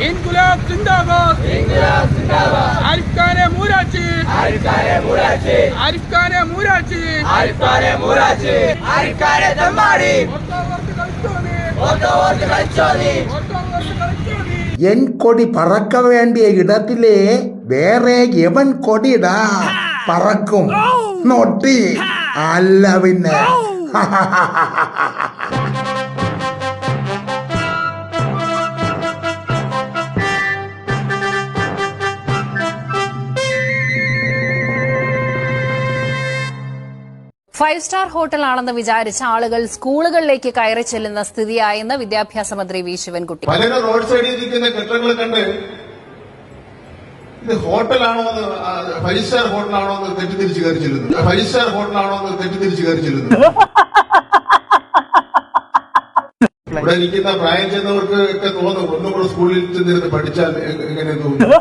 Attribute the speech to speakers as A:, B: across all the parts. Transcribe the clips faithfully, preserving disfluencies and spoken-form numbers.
A: ഇൻകുലാബ് സിന്ദാബാദ് ഇൻകുലാബ് സിന്ദാബാദ് ആരിഫ് ഖാനെ മൂരാച്ചി ആരിഫ് ഖാനെ മൂരാച്ചി ആരിഫ് ഖാനെ മൂരാച്ചി ആരിഫ് ഖാനെ മൂരാച്ചി ആരിഫ് ഖാനെ തമ്മാടി ഓട്ടോവർക്ക് കളിച്ചോടി ഓട്ടോവർക്ക് കളിച്ചോടി ഓട്ടോവർക്ക് കളിച്ചോടി
B: എൻ കൊടി പറക്ക വേണ്ടിയ ഇടത്തിലെ വേറെ എവൻ കൊടിടാ പറക്കും നൊട്ടി അല്ല പിന്നെ.
C: ഫൈവ് സ്റ്റാർ ഹോട്ടലാണെന്ന് വിചാരിച്ച ആളുകൾ സ്കൂളുകളിലേക്ക് കയറി ചെല്ലുന്ന സ്ഥിതിയായെന്ന് വിദ്യാഭ്യാസ മന്ത്രി വി ശിവൻകുട്ടി.
D: പലരും റോഡ് സൈഡിൽ ഇരിക്കുന്ന കെട്ടിടങ്ങൾ കണ്ട് ഇത് ഹോട്ടലാണോ എന്ന് ഫൈവ് സ്റ്റാർ ഹോട്ടലാണോ എന്ന് തെറ്റിദ്ധരിച്ച് കയറി ചെല്ലുന്നു. ഫൈവ് സ്റ്റാർ ഹോട്ടലാണോ എന്ന് തെറ്റിദ്ധരിച്ച് കയറി ചെല്ലുന്നു. ഇവിടെ ഇരിക്കുന്ന പ്രായം ചെന്നവർക്ക് ഒക്കെ തോന്നും ഒന്നും കൂടെ സ്കൂളിൽ ചെന്നിരുന്ന് പഠിച്ചാൽ എങ്ങനെ തോന്നുന്നു.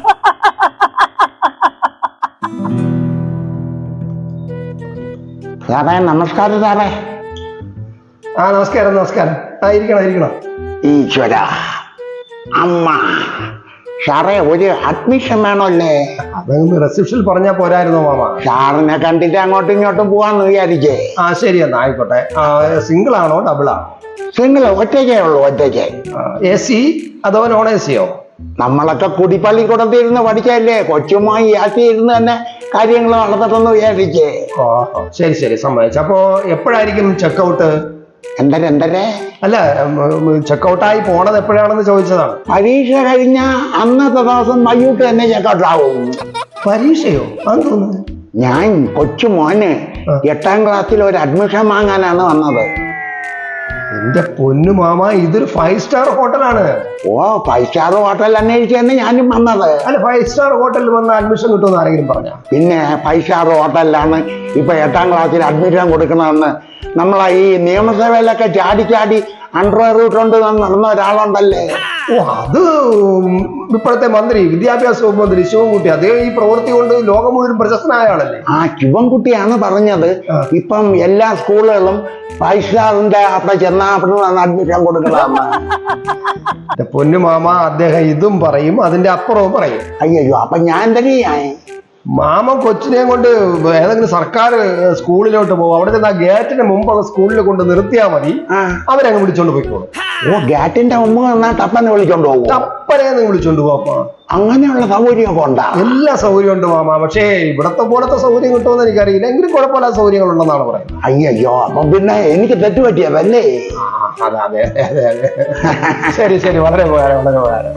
B: സാറേ നമസ്കാരം സാറേ.
E: ആ നമസ്കാരം നമസ്കാരം. ആ ഇരിക്കണം ഇരിക്കണം.
B: ഈശ്വര അമ്മ സാറേ ഒരു അഡ്മിഷൻ വേണമല്ലേ?
E: അതൊന്ന് റിസപ്ഷനിൽ പറഞ്ഞാ പോരായിരുന്നോ മാമ?
B: സാറിനെ കണ്ടിട്ട് അങ്ങോട്ടും ഇങ്ങോട്ടും പോവാന്ന് വിചാരിച്ചേ.
E: ആ ശരി എന്നാ ആയിക്കോട്ടെ. സിംഗിൾ ആണോ ഡബിൾ ആണോ?
B: സിംഗിൾ ഒറ്റയ്ക്കേ ഉള്ളൂ ഒറ്റയ്ക്ക്.
E: എ സി അഥവാ നോൺ എ സിയോ?
B: നമ്മളൊക്കെ കുടിപ്പള്ളിക്കൂടത്തിൽ ഇരുന്ന് പഠിച്ചല്ലേ, കൊച്ചുമായി യാത്ര ഇരുന്ന് തന്നെ കാര്യങ്ങൾ നടന്നിട്ടെന്ന് വിചാരിച്ചേ.
E: ഓ ശരി ശരി സമ്മതിച്ചു. അപ്പോ എപ്പോഴായിരിക്കും ചെക്കൗട്ട്?
B: എന്തര എന്തരേ
E: അല്ല ചെക്കൗട്ടായി പോണത് എപ്പോഴാണെന്ന് ചോദിച്ചതാണ്.
B: പരീക്ഷ കഴിഞ്ഞ അന്നത്തെ ദിവസം വൈകിട്ട് തന്നെ ചെക്കൗട്ട് ആവും.
E: പരീക്ഷയോ? അത് തോന്നുന്നു.
B: ഞാൻ കൊച്ചു മോന് എട്ടാം ക്ലാസ്സിൽ ഒരു അഡ്മിഷൻ വാങ്ങാനാണ് വന്നത്.
E: എന്റെ പൊന്നു മാമ ഇതൊരു ഫൈവ് സ്റ്റാർ ഹോട്ടലാണ്.
B: ഓ ഫൈവ് സ്റ്റാർ ഹോട്ടൽ അന്വേഷിച്ച് തന്നെ ഞാനും വന്നത്.
E: അല്ല ഫൈവ് സ്റ്റാർ ഹോട്ടലിൽ വന്ന് അഡ്മിഷൻ കിട്ടുമെന്ന് ആരെങ്കിലും പറഞ്ഞ?
B: പിന്നെ ഫൈവ് സ്റ്റാർ ഹോട്ടലിലാണ് ഇപ്പൊ എട്ടാം ക്ലാസ്സിൽ അഡ്മിഷൻ കൊടുക്കണമെന്ന് നമ്മളെ ഈ നിയമസഭയിലൊക്കെ ചാടി ചാടി അണ്ടർവെയർ ഇട്ടുകൊണ്ട് നടന്ന ഒരാളുണ്ടല്ലേ.
E: ഓ അത് ഇപ്പോഴത്തെ മന്ത്രി വിദ്യാഭ്യാസ വകുപ്പ് മന്ത്രി ശിവൻകുട്ടി. അദ്ദേഹം ഈ പ്രവൃത്തി കൊണ്ട് ലോകം മുഴുവൻ പ്രശസ്തനായ ആളല്ലേ.
B: ആ ശിവൻകുട്ടിയാണ് പറഞ്ഞത് ഇപ്പം എല്ലാ സ്കൂളുകളും ഫൈവ് സ്റ്റാറിന്റെ അവിടെ ചെന്നാ അവിടെ അഡ്മിഷൻ കൊടുക്കണമെന്ന്.
E: പൊന്നു മാമ അദ്ദേഹം ഇതും പറയും അതിന്റെ അപ്പുറവും പറയും.
B: അയ്യോ അപ്പൊ ഞാൻ തന്നെയായി.
E: മാമ കൊച്ചിനെയും കൊണ്ട് ഏതെങ്കിലും സർക്കാർ സ്കൂളിലോട്ട് പോകും. അവിടെ ചെന്ന് ആ ഗേറ്റിന് മുമ്പ് സ്കൂളിൽ കൊണ്ട് നിർത്തിയാൽ മതി, അവരങ്ങ് വിളിച്ചോണ്ട് പോയിക്കോളും.
B: ഓ ഗേറ്റിന്റെ മുമ്പ് നിന്നാ ടപ്പനെ വിളിച്ചോണ്ട് പോകും.
E: ടപ്പനെ വിളിച്ചോണ്ട് പോവാ.
B: അങ്ങനെയുള്ള സൗകര്യമൊക്കെ ഉണ്ടാ?
E: എല്ലാ സൗകര്യം ഉണ്ട് മാമ. പക്ഷേ ഇവിടത്തെ പോലത്തെ സൗകര്യം കിട്ടുമെന്ന് എനിക്കറിയില്ല. എങ്കിലും കുഴപ്പമില്ലാത്ത സൗകര്യങ്ങൾ ഉണ്ടെന്നാണ് പറയുന്നത്.
B: അയ്യോ അപ്പൊ പിന്നെ എനിക്ക് തെറ്റുപറ്റിയതല്ലേ?
E: അതെ അതെ അതെ അതെ. ശരി ശരി വളരെ ഉപകാരം വളരെ ഉപകാരം.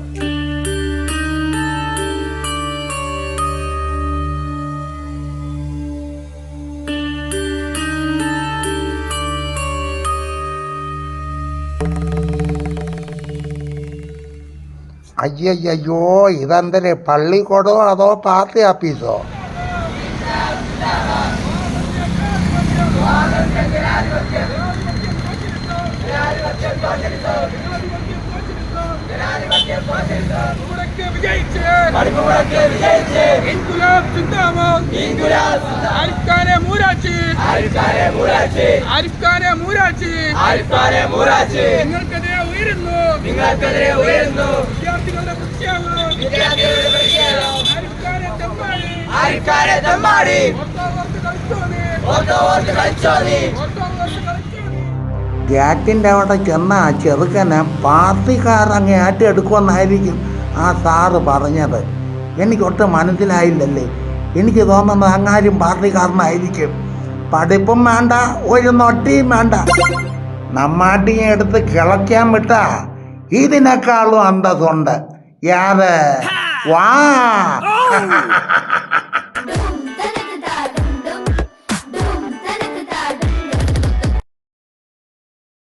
B: അയ്യയ്യോ ഇതെന്തരെ പള്ളിക്കൂടോ അതോ പാർട്ടി ഓഫീസോ?
A: ഇൻകുലാബ് സിന്ദാബാദ് ഇൻകുലാബ് ആരിഫ് ഖാനെ മൂരാച്ചി ആരിഫ് ഖാനെ മൂരാച്ചി ആരിഫ് ഖാനെ മൂരാച്ചി ആരിഫ് ഖാനെ മൂരാച്ചി നിങ്ങൾക്കെതിരെ ഉയരുന്നു നിങ്ങൾക്കെതിരെ ഉയരുന്നു വിദ്യാർത്ഥികളുടെ പ്രത്യാഘാതം വിദ്യാർത്ഥികളുടെ പ്രത്യാഘാതം ആരിഫ് ഖാനെ തമ്മാടി ആരിഫ് ഖാനെ തമ്മാടി ഓട്ടോവർക്ക് കളിച്ചോടി ഓട്ടോവർക്ക് കളിച്ചോടി ഓട്ടോവർക്ക് കളിച്ചോടി.
B: ഗേറ്റിൻ്റെ അവിടെ ചെന്ന ചെറുക്കനെ പാർട്ടിക്കാരങ്ങ് ഏറ്റെടുക്കുമെന്നായിരിക്കും ആ സാറ് പറഞ്ഞത്. എനിക്കൊട്ടും മനസ്സിലായില്ലല്ലേ. എനിക്ക് തോന്നുന്നത് അങ്ങാരും പാർട്ടിക്കാരനായിരിക്കും. പഠിപ്പും വേണ്ട ഒരു നൊട്ടിയും വേണ്ട. നമ്മാട്ടിയെ എടുത്ത് കിളയ്ക്കാൻ വിട്ടാ ഇതിനേക്കാളും അന്തസ്സുണ്ട്. യാതെ വാ.